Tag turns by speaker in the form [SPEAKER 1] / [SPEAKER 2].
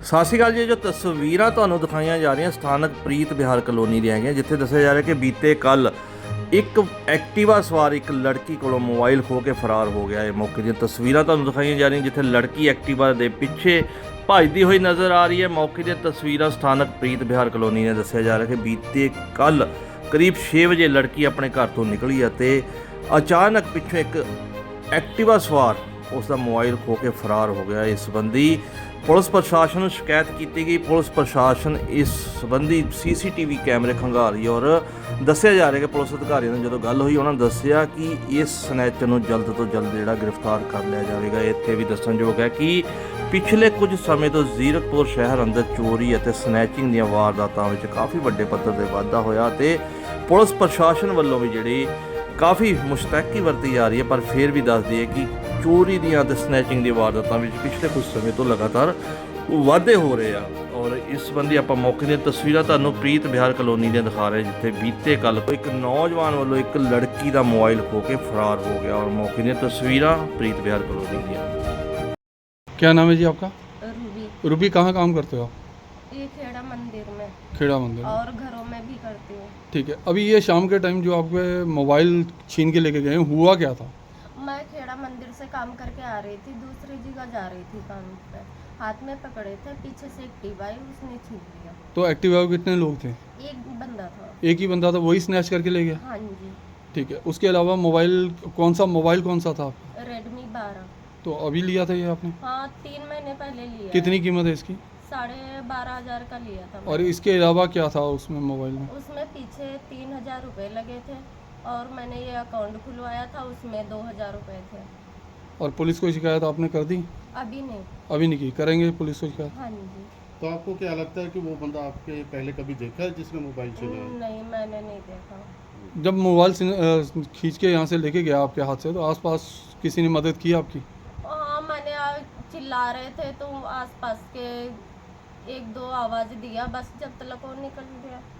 [SPEAKER 1] ਸਤਿ ਸ਼੍ਰੀ ਅਕਾਲ ਜੀ। ਜੋ ਤਸਵੀਰਾਂ ਤੁਹਾਨੂੰ ਦਿਖਾਈਆਂ ਜਾ ਰਹੀਆਂ ਸਥਾਨਕ ਪ੍ਰੀਤ ਵਿਹਾਰ ਕਲੋਨੀ ਦੀਆਂ ਹੈਗੀਆਂ, ਜਿੱਥੇ ਦੱਸਿਆ ਜਾ ਰਿਹਾ ਕਿ ਬੀਤੇ ਕੱਲ ਇੱਕ ਐਕਟਿਵਾ ਸਵਾਰ ਇੱਕ ਲੜਕੀ ਕੋਲੋਂ ਮੋਬਾਈਲ ਖੋਹ ਕੇ ਫਰਾਰ ਹੋ ਗਿਆ। ਇਹ ਮੌਕੇ ਦੀਆਂ ਤਸਵੀਰਾਂ ਤੁਹਾਨੂੰ ਦਿਖਾਈਆਂ ਜਾ ਰਹੀਆਂ, ਜਿੱਥੇ ਲੜਕੀ ਐਕਟਿਵਾ ਦੇ ਪਿੱਛੇ ਭੱਜਦੀ ਹੋਈ ਨਜ਼ਰ ਆ ਰਹੀ ਹੈ। ਮੌਕੇ ਦੀਆਂ ਤਸਵੀਰਾਂ ਸਥਾਨਕ ਪ੍ਰੀਤ ਵਿਹਾਰ ਕਲੋਨੀ ਨੇ ਦੱਸਿਆ ਜਾ ਰਿਹਾ ਕਿ ਬੀਤੇ ਕੱਲ ਕਰੀਬ 6 ਵਜੇ ਲੜਕੀ ਆਪਣੇ ਘਰ ਤੋਂ ਨਿਕਲੀ ਅਤੇ ਅਚਾਨਕ ਪਿੱਛੋਂ ਇੱਕ ਐਕਟਿਵਾ ਸਵਾਰ ਉਸ ਦਾ ਮੋਬਾਈਲ ਖੋਹ ਕੇ ਫਰਾਰ ਹੋ ਗਿਆ। ਇਸ ਸੰਬੰਧੀ ਪੁਲਿਸ ਪ੍ਰਸ਼ਾਸਨ ਨੂੰ ਸ਼ਿਕਾਇਤ ਕੀਤੀ ਗਈ। ਪੁਲਿਸ ਪ੍ਰਸ਼ਾਸਨ ਇਸ ਸੰਬੰਧੀ ਸੀਸੀਟੀਵੀ ਕੈਮਰੇ ਖੰਗਾਲ ਔਰ ਦੱਸਿਆ ਜਾ ਰਿਹਾ ਕਿ ਪੁਲਿਸ ਅਧਿਕਾਰੀਆਂ ਨਾਲ ਜਦੋਂ ਗੱਲ ਹੋਈ ਉਹਨਾਂ ਨੇ ਦੱਸਿਆ ਕਿ ਇਸ ਸਨੈਚਰ ਨੂੰ ਜਲਦ ਤੋਂ ਜਲਦ ਗ੍ਰਿਫਤਾਰ ਕਰ ਲਿਆ ਜਾਵੇਗਾ। ਇੱਥੇ ਵੀ ਦੱਸਣਯੋਗ ਹੈ ਕਿ ਪਿਛਲੇ ਕੁਝ ਸਮੇਂ ਤੋਂ ਜ਼ੀਰਕਪੁਰ ਸ਼ਹਿਰ ਅੰਦਰ ਚੋਰੀ ਅਤੇ ਸਨੈਚਿੰਗ ਦੀਆਂ ਵਾਰਦਾਤਾਂ ਵਿੱਚ ਕਾਫੀ ਵੱਡੇ ਪੱਧਰ ਤੇ ਵਾਧਾ ਹੋਇਆ ਤੇ ਪੁਲਿਸ ਪ੍ਰਸ਼ਾਸਨ ਵੱਲੋਂ ਵੀ ਜਿਹੜੀ ਕਾਫੀ ਮੁਸ਼ਤੈਕੀ ਵਰਤੀ ਜਾ ਰਹੀ ਹੈ, ਪਰ ਫਿਰ ਵੀ ਦੱਸਦੀ ਹੈ ਕਿ ਚੋਰੀ ਦੀਆਂ ਅਤੇ ਸਨੈਚਿੰਗ ਦੀ ਵਾਰਦਾਤਾਂ ਵਿੱਚ ਪਿਛਲੇ ਕੁਝ ਸਮੇਂ ਤੋਂ ਲਗਾਤਾਰ ਵਾਧੇ ਹੋ ਰਹੇ ਆ। ਔਰ ਇਸ ਸੰਬੰਧੀ ਆਪਾਂ ਮੌਕੇ ਦੀਆਂ ਤਸਵੀਰਾਂ ਤੁਹਾਨੂੰ ਪ੍ਰੀਤ ਵਿਹਾਰ ਕਲੋਨੀ ਦੀਆਂ ਦਿਖਾ ਰਹੇ, ਜਿੱਥੇ ਬੀਤੇ ਕੱਲ ਇੱਕ ਨੌਜਵਾਨ ਵੱਲੋਂ ਇੱਕ ਲੜਕੀ ਦਾ ਮੋਬਾਈਲ ਖੋਹ ਕੇ ਫਰਾਰ ਹੋ ਗਿਆ। ਔਰ ਮੌਕੇ ਦੀਆਂ ਤਸਵੀਰਾਂ ਪ੍ਰੀਤ ਵਿਹਾਰ ਕਲੋਨੀ ਦੀਆਂ।
[SPEAKER 2] क्या नाम है जी आपका?
[SPEAKER 3] रूबी।
[SPEAKER 2] रूबी, कहाँ काम करते हो आप?
[SPEAKER 3] ये खेड़ा मंदिर में
[SPEAKER 2] खेड़ा मंदिर में।
[SPEAKER 3] और घरों में भी करती हूँ।
[SPEAKER 2] ठीक है, अभी ये शाम के टाइम जो आपके मोबाइल छीन के लेके गए हैं, हुआ क्या था?
[SPEAKER 3] मैं खेड़ा मंदिर से काम करके आ रही थी, दूसरी जगह जा रही थी काम पे। हाथ में पकड़े थे, पीछे से एक्टिवा आई, उसने छीन लिया।
[SPEAKER 2] तो एक्टिवा में कितने लोग थे?
[SPEAKER 3] एक बंदा था।
[SPEAKER 2] एक ही बंदा था, वही स्नैच करके ले गया?
[SPEAKER 3] हाँ जी।
[SPEAKER 2] ठीक है, उसके अलावा मोबाइल कौन सा था आपका?
[SPEAKER 3] रेडमी 12।
[SPEAKER 2] तो अभी लिया था ये आपने?
[SPEAKER 3] हाँ, 3 महीने पहले लिया।
[SPEAKER 2] कितनी कीमत है इसकी?
[SPEAKER 3] 12,500 का लिया था।
[SPEAKER 2] और इसके अलावा क्या था उसमें मोबाइल में?
[SPEAKER 3] उसमें पीछे 3,000 रुपये लगे थे और मैंने ये अकाउंट खुलवाया था, उसमें 2,000 रुपये थे।
[SPEAKER 2] और पुलिस को शिकायत आपने कर दी?
[SPEAKER 3] अभी नहीं।
[SPEAKER 2] अभी नहीं की, करेंगे पुलिस को शिकायत?
[SPEAKER 3] हाँ जी।
[SPEAKER 4] तो आपको क्या लगता है कि वो बंदा आपके पहले कभी देखा है जिसने मोबाइल छीना है?
[SPEAKER 3] नहीं, मैंने नहीं देखा।
[SPEAKER 2] जब मोबाइल खींच के यहाँ से लेके गया आपके हाथ से, तो आसपास किसी ने मदद की आपकी?
[SPEAKER 3] हाँ, मैंने चिल्ला रहे थे तो आसपास के 1-2 आवाज़ दिया, बस जब तक वो निकल गया।